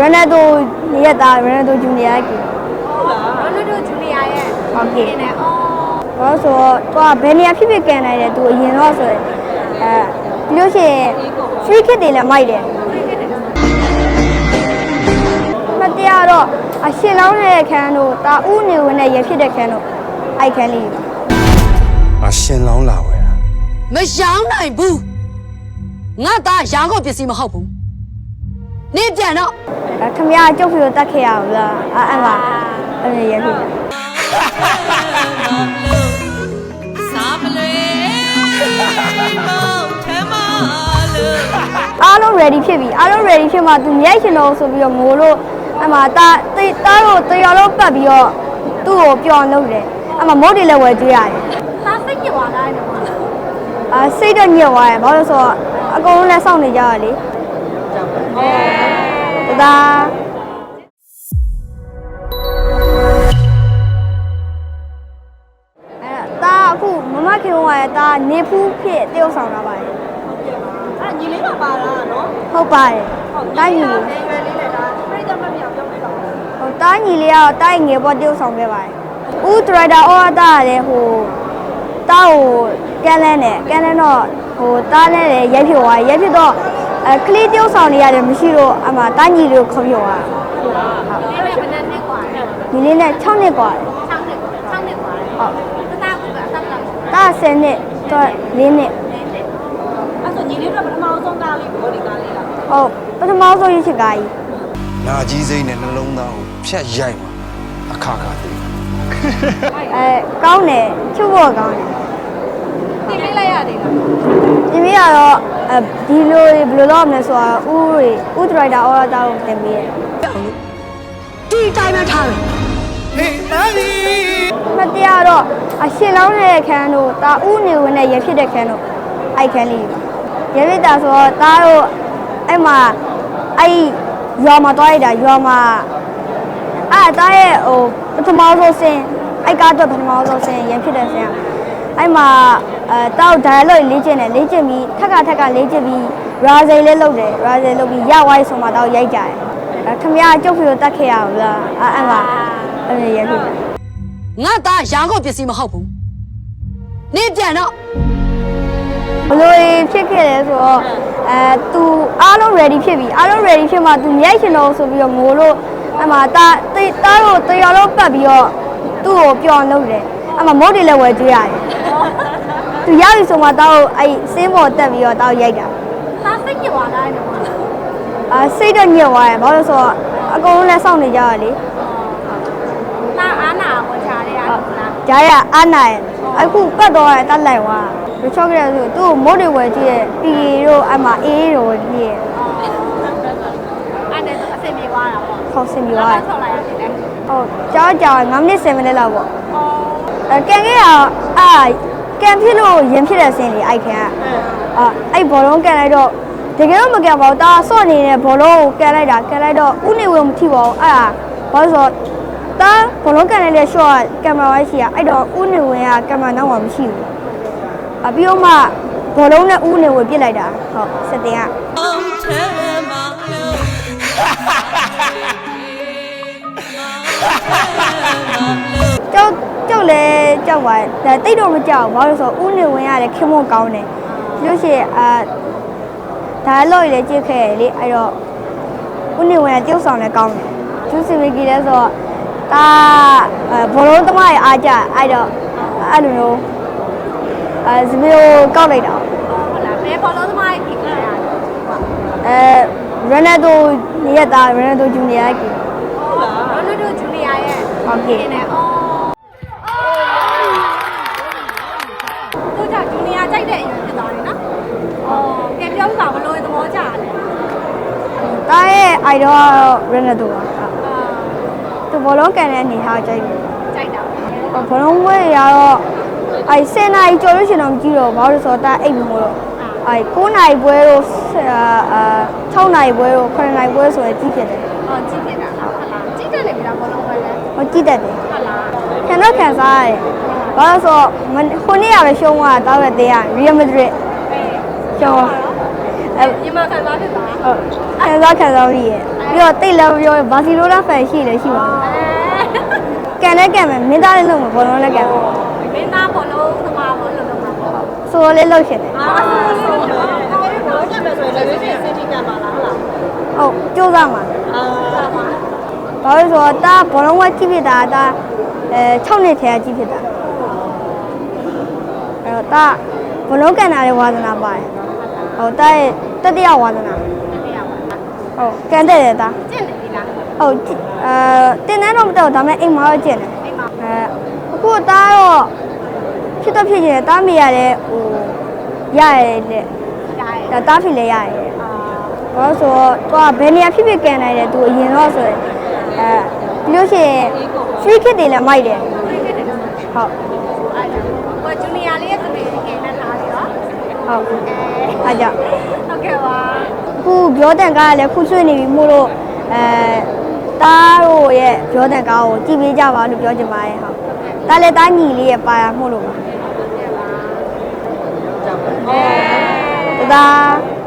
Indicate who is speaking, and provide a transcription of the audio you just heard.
Speaker 1: Ronaldo ရဲ့သား Ronaldo Junior ကြီး
Speaker 2: ဟုတ်လား Ronaldo Junior ရဲ့
Speaker 1: ဟုတ်ကဲ့
Speaker 2: နဲ့အော်
Speaker 1: ဘာလို့ဆိုတော့သူကဘယ်နေရာဖြစ်ဖြစ်ကန်နိုင်တယ်သူအရင်တော့ဆိုရင်ပြီးလို့ရှိရင် free kick တွေလည်းမိုက်တယ်မတရားတော့အရှင်လောင်းတဲ့ခန်းတို့တာဦးနေဝင်နဲ့ရဖြစ်တဲ့ခန်းတို့အိုက်ခန်းလေး
Speaker 3: အရှင်လောင်းလာဝဲတာ
Speaker 4: မရောင်းနိုင်ဘူးငါသားရောင်းကုန်ပစ္စည်းမဟုတ်ဘူးနေပြန်တော့
Speaker 1: ခမရကျုပ်ဖီကိုတတ်ခဲ့ရအောင်လားအဲ့မှာအဲ့ရဖြစ်တယ်အားလုံး ready ဖြစ်ပြီအားလုံး ready ဖြစ်မှသူမြိုက်ရှင်တော့ဆိုပြီးတော့ငိုလို့အဲ့မှာတာတို့တရော်လုံးပတ်ပြီးတော့သူ့ကိုပျော်လုပ်တယ်အဲ့မှာမုတ်တွေလည်းဝယ်ကျွေးရတယ်
Speaker 2: သားစိတ်ညစ်သွားတာနော်
Speaker 1: စိတ်တော့ညစ်သွားတယ်ဘာလို့ဆိုတော့အကုန်လုံးလည်းစောင့်နေကြရလေဒါအခုမမခင်ဝါရဲ့ဒါနေဖူးဖြစ်တယောက်ဆောင်လာပါတယ်
Speaker 2: အဲ့ညီလေးမပါလားနော်
Speaker 1: ဟုတ်ပါတယ်တိုင်းညီလေး
Speaker 2: ရွယ်လေးနဲ့ဒါပြိတ္တမမြောင်ပြောပြပါဦး
Speaker 1: ဟိုတိုင်းညီလေးကတော့တိုင်းငယ်ပေါ်တယောက်ဆောင်ခဲ့ပါတယ်ဦးဒရိုက်တာအော်တာလည်းဟိုတားကိုကန်လန်းတော့ဟိုတားနဲ့လည်းရိုက်ဖြစ်သွားရိုက်ဖြစ်တော့ကလေးတယောက်ဆောင်နေရတယ်မရှိတော့အမှတိုင်းညီလေးကိုခေါ်ပြောသွား
Speaker 2: လေးနဲ့ဘယ်နှစ်กว่าလဲ
Speaker 1: ညီလေးနဲ့6နှစ်กว่าတယ်
Speaker 2: 6နှစ်กว่าတယ်ဟုတ်တာကကအသက်လောက်
Speaker 1: တား10နှစ်တော့4နှစ်
Speaker 2: အဲ့ဆိုညီလေးတို့ပထမဆုံးကားလေးဘောဒီကားလေးလား
Speaker 1: ဟုတ်ပထမဆုံးရစ်ချစ်ကားကြီး
Speaker 3: နာကြီးစိမ့်နဲ့နှလုံးသားကိုဖြတ်ရိုက်မှာအခါခါသိ
Speaker 1: ကောင်းတယ်ချုပ်ဖို့ကောင်းတယ်
Speaker 2: တင်ပေးလိုက်ရသေးလား
Speaker 1: ဒီမိကတော့ဒီလိုဘယ်လိုလုပ်မလဲဆိုတော့ဦးဒရိုက်တာအော်တာကိုတင်ပေးတယ်
Speaker 4: ဒီတိုင်းပဲထားတယ်
Speaker 1: မတရားတော့အရှင်လောင်းတဲ့ခန်းတို့တာဦးနေဝင်နဲ့ရဖြစ်တဲ့ခန်းတို့အိုက်ခန်းလေးရဖြစ်တာဆိုတော့တာတို့အဲ့မှာအဲ့ရွာမှာတွားရတာရွာမှာတာရဲ့ဟိုပထမဆုံးဆင်းအိုက်ကားတော့ပထမဆုံးဆင်းရဖြစ်တဲ့ဆင်းအဲ့မှာတောက် dialogue လေ့ကျင့်တယ်လေ့ကျင့်ပြီးထက်ကလေ့ကျင့်ပြီး razel လေးလုပ်တယ် razel လုပ်ပြီးရဝိုင်းဆိုမှတော့ရိုက်ကြတယ်ခမရကျုပ်ဖီကိုတတ်ခဲ့ရအောင်လားအဲ့မှာအဲ့ရဖြစ်တယ်
Speaker 4: ငါသားရောင်းကုန်ပစ္စည်းမဟုတ်ဘူးနေပြန်တော့
Speaker 1: ဘလို့ဖြစ်ခဲ့လဲဆိုတော့သူအားလုံး ready ဖြစ်ပြီအားလုံး ready ဖြစ်မှသူမြိုက်ရှင်တော့ဆိုပြီးတော့ငိုလို့အဲ့မှာတာတို့တရော်လုံးပတ်ပြီးတော့သူ့ကိုပျော်လုပ်တယ်အဲ့မှာမုတ်တွေလည်းဝယ်ကျွေးရတယ်သူရပြီဆိုမှတော့အဲ့စင်းပေါ်တက်ပြီးတော့တောက်ရိုက်တာ
Speaker 2: သားစိတ်ညစ်သွားတာနော်
Speaker 1: စိတ်တော့ညစ်သွားတယ်ဘာလို့ဆိုတော့အကုန်လုံးလည်းစောင့်နေကြရလေ
Speaker 2: သားအားနာဝင်ချားရတာလား
Speaker 1: ကြားရအားနာရဲ့အခုပတ်တော့တတ်လိုက်သွားရချော့ကြရဆိုသူ့ကိုမုတ်တွေဝယ်ကျွေးရဲ့ပီတို့အမှအေးတို့ကြီးရဲ့
Speaker 2: အဲ့ဒါဆိုအဆင်ပြေသွားတာပေါ့
Speaker 1: ခေါက်စင်ပြီးသွားတယ်
Speaker 2: ထောက်လိုက်ရတယ်လေ
Speaker 1: ဟုတ်ကြောက်9မိနစ်10မိနစ်လောက်ပေါ့
Speaker 2: အော်
Speaker 1: ကန်ခဲ့ရကန်ဖြစ်လို့ရင်ဖြစ်တဲ့ဆင်းလေအိုက်ခံအဲ့ဘောလုံးကန်လိုက်တော့တကယ်တော့မကန်ပါဘူးတာဆော့နေတဲ့ဘောလုံးကိုကန်လိုက်တော့ဥနေဝင်မထိပါဘူးအဲ့ဒါဘာလို့ဆိုတော့တာဘောလုံးကန်လိုက်တဲ့ shot ကင်မရာဝိုင်းရှိရအဲ့တော့ဥနေဝင်ကကင်မရာနောက်မှာမရှိဘူးပြီးတော့မှဘောလုံးနဲ့ဥနေဝင်ပြစ်လိုက်တာဟုတ်စက်တင်ကကြောက်လဲကြောက်ပါတယ်ဒါတိတ်တော့မကြောက်ဘူးဘာလို့ဆိုတော့ဥနေဝင်ရတယ်ခင်မွန်ကောင်းတယ်လို့ရှိရင်ဒါလို့ရလေကြည့်ခဲ့ရလေအဲ့တော့ဥနေဝင်ကတယောက်ဆောင်လည်းကောင်းတယ်ကျူးစီဝီကီလဲဆိုတော့ဒါဘောလုံးသမားရဲ့အားကြအဲ့တော့အဲ့လိုမျိုးစပီယိုကောက်လိုက်တာ
Speaker 2: ဟုတ်လားဘယ်ဘောလုံးသမားကြီးကြည့်ရလဲ
Speaker 1: Ronaldo ရဲ့သား Ronaldo Junior ကြီး
Speaker 2: ဟုတ်လား Ronaldo Junior ရဲ့
Speaker 1: ဟုတ်ကဲ့
Speaker 2: နဲ့အော်သူက Junior ကြိုက်တဲ့အရွယ်ဖြစ်သွားတယ်နော်အော်ကဲပြောပြပါဘလို့သဘောကျတယ်
Speaker 1: တာရဲ့ idol Ronaldo ပါသူဘောလုံးကန်တဲ့အနေထားကြိုက်တယ်
Speaker 2: ကြိုက်တာ
Speaker 1: ဘောလုံးဝဲရတော့အဲ့10နာရီကျော်လို့ရှင်တော့မကြည့်တော့ဘာလို့ဆိုတော့တာအိတ်မလို့အဲ့9နာရီပွဲတို့6နာရီပွဲတို့9နာရီပွဲဆိုရင်ကြည့်ဖြစ်တယ်
Speaker 2: အော်ကြည့်ဖြစ်တာလားဟုတ်လားကြည့်တယ်လေဗျာဘောလုံးပဲလဲ
Speaker 1: ဟောကြည့်တတ်တယ်
Speaker 2: ဟုတ်လား
Speaker 1: ခံတော့ခံစားရတယ်ဘာလို့ဆိုတော့ခုနေ့ရပဲရှုံးသွားတာတောက်တဲ့တင်းက Real Madrid ရှုံး
Speaker 2: ညီမခံစားဖြစ်တာ
Speaker 1: ဟုတ်ခံစားပြီးရဲ့ပြီးတော့တိတ်လည်းပြောဘာစီလိုနာဖန်ရှိလည်းရှိပါကန်လည်းကန်မယ်မင်းသားလည်းလုပ်မှာဘောလုံးလည်းကန်မယ်
Speaker 2: မင်းသားဘောလုံးသမားဘောလုံးသမားပေါ့
Speaker 1: ဆိုလည်းလုပ်ရှင်တယ်
Speaker 2: ဆိုတော့ဘောကပဲဆိုရင်လည်းစင်တီကပါလားဟုတ်လား
Speaker 1: ဟုတ်ကြိုးစားမှာဘာလို့ဆိုတော့တာဘောလုံးဝကြည့်ဖြစ်တာတာ6နှစ်ထဲကြည့်ဖြစ်တာအဲ့တော့တာဘောလုံးကန်တာလည်းဝါသနာပါတယ်ဟုတ်တာရဲ့တတိယဝါသနာဟုတ်ကန်တဲ့တယ်တာ
Speaker 2: ကျင့်တယ်ဒီလား
Speaker 1: ဟုတ်တင်တန်းတော့မတော့ဒါပေမဲ့အိမ်မှာတော့ကျင့်တယ်
Speaker 2: အိမ်မှာ
Speaker 1: အခုတားတော့ဖြစ်တော့ဖြစ်နေတယ်တားမိရတယ်ဟိုရရတယ်တဲ့
Speaker 2: ကြားရ
Speaker 1: ဒါတားဖြစ်လဲရတယ်ဘာလို့ဆိုတော့သူကဘယ်နေရာဖြစ်ဖြစ်ကန်နိုင်တယ်သူအရင်တော့ဆိုရင်ပြီးလို့ရှိရင် free kick တွေလည်းမိုက်တယ်ဟုတ်
Speaker 2: ဘောဂျူနီယာလေးရဲ့သမီးကလည်းထားပြီးတော့
Speaker 1: ဟုတ်အားကြောင့်
Speaker 2: ဟုတ်ကဲ့ပါ
Speaker 1: အခုပြောတန်ကားကလည်းခုဆွေးနေပြီမို့လို့တားတို့ရဲ့ပြောတန်ကားကိုကြည့်ပေးကြပါလို့ပြောချင်ပါတယ်ဟုတ်တားလည်းတားညီလေးရဲ့ပါရမို့လို့ပါဒါ